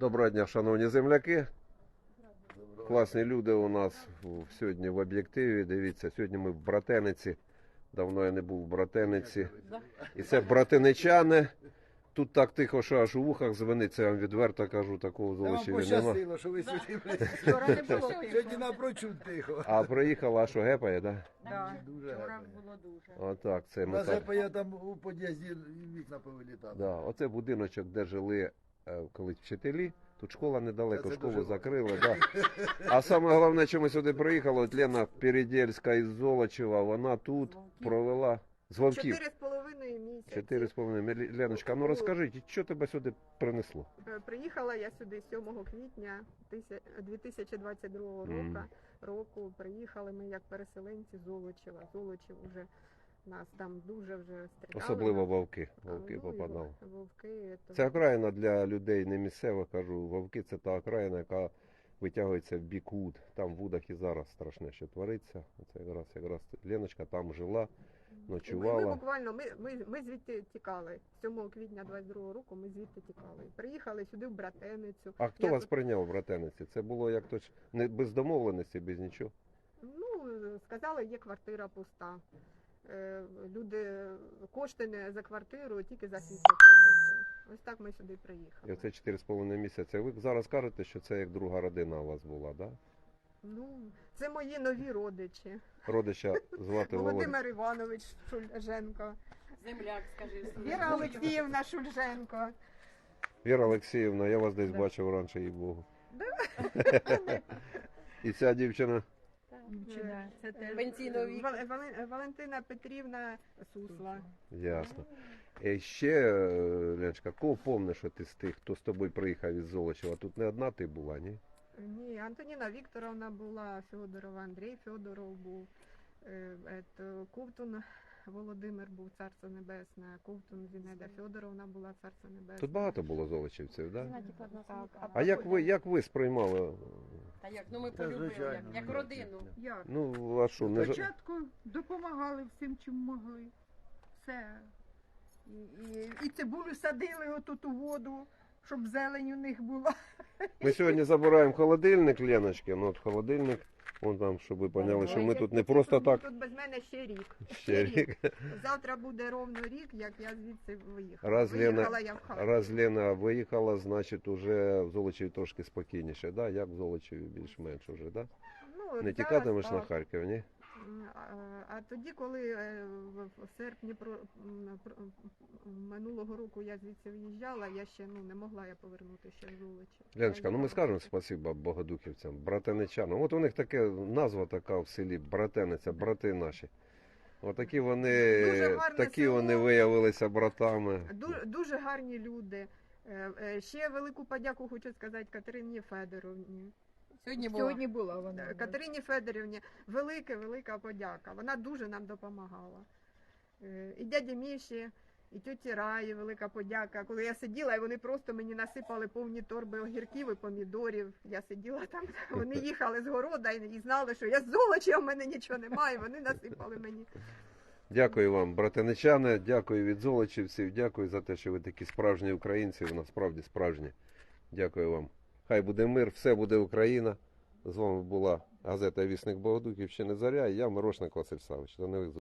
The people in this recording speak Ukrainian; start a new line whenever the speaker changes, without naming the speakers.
Доброго дня, шановні земляки. Класні люди у нас сьогодні в об'єктиві. Дивіться, сьогодні ми в Братениці. Давно я не був в Братениці. І це братиничани. Тут так тихо, що аж у вухах звенить, це я вам відверто кажу, такого в
Вам
Золочеві нема.
пощастило, що ви сюди прийшли.
Вчора не було тихо.
Сьогодні напрочуд тихо.
А приїхала, що гепає, так?
Да,
Дуже
вчора
гарно.
було дуже.
Отак, це ми
На
так.
я там у під'їзді вікна повилітали.
Да, оце будиночок, де жили колись вчителі. Тут школа недалеко,
Це
школу
дуже
закрили. Да. А саме головне, що ми сюди приїхали, от Лена Передельська із Золочева, вона тут провела з Вовків.
4,5 місяці.
4,5. Леночка, ну розкажіть, що тебе сюди принесло?
Приїхала я сюди 7 квітня 2022 року. Приїхали ми як переселенці з Золочева. Золочів уже нас там дуже вже стріляли.
Особливо вовки. Вовки
Ну, і
попадали.
Вовки.
Це окраїна для людей не місцевих, кажу. Вовки це та окраїна, яка витягується в бік Вуд. Там в Вудах і зараз страшне, що твориться. Це якраз Леночка там жила,
Ми
ночувала.
буквально, ми звідти тікали. 7 квітня 22 року ми звідти тікали. Приїхали сюди в Братеницю.
А хто
Я
вас
тут-
прийняв в Братениці? Це було як то не без домовленості, без нічого.
Ну, сказали, є квартира пуста. Люди кошти не за квартиру, тільки за світло платити. Ось так ми сюди
І
приїхали.
оце 4,5 місяці. Ви зараз кажете, що це як друга родина у вас була, да?
Ну, це мої нові родичі.
Родича звати Володимир.
Володимир Іванович Шульженко,
Земляк, скажи.
Віра Олексіївна Шульженко.
Віра Олексіївна, я вас десь бачив раніше, їй Богу. І ця дівчина.
Це пенсійного віку.
Валентина Петрівна Сусла.
Ясно. І ще, Леночка, кого помниш, що ти з тих, хто з тобою приїхав із Золочева? Тут не одна ти була, ні?
Ні, Антоніна Вікторовна була, Федорова, Андрій Федоров був, Ковтун Володимир був, Царство Небесне, Ковтун Зінеда Федоровна була, Царство Небесне.
Тут багато було золочівців, да?
Так,
А як ви сприймали?
Та як, ну ми
Та,
полюбили,
звичайно,
як
ну,
родину.
Як?
Ну, а що, не ж...
Спочатку допомагали всім, чим могли. Все. І цибулю садили отут у воду, щоб зелень у них була.
Ми сьогодні забираємо холодильник, Леночки, ну от холодильник, вон там, щоб ви поняли, що ми тут не просто так.
Тут без мене ще рік.
Ще рік.
Завтра буде ровно рік, як я звідси виїхала.
Раз
Виїхала я в Харків.
Раз Лена виїхала, значить уже в Золочеві трошки спокійніше, да? Як в Золочеві більш-менш уже, да?
Ну,
Не
зараз
тікатимеш на
так.
Харків, ні?
А тоді, коли в серпні минулого року я звідси виїжджала, я ще не могла я повернути ще в Золочів.
Леночка, ну ми скажемо спасибо богодухівцям, братеничанам. От у них таке назва така в селі, братениця, брати наші. Отакі вони,
Дуже гарне
такі
село.
вони виявилися братами.
Дуже гарні люди. Ще велику подяку хочу сказати Катерині Федоровні.
Сьогодні
була вона.
Катерині Федорівні велика подяка. Вона дуже нам допомагала. І дяді Міші, і тьоті Раї велика подяка. Коли я сиділа, і вони просто мені насипали повні торби огірків і помідорів. Я сиділа там, вони їхали з города і знали, що я з Золочева, в мене нічого немає, вони насипали мені.
Дякую вам, братеничани, дякую від золочівців, дякую за те, що ви такі справжні українці, ви насправді справжні. Дякую вам. Хай буде мир, все буде Україна. З вами була газета «Вісник Богодухівщини Заря» і я, Мирошник Василь Савич. До нових зустрічей.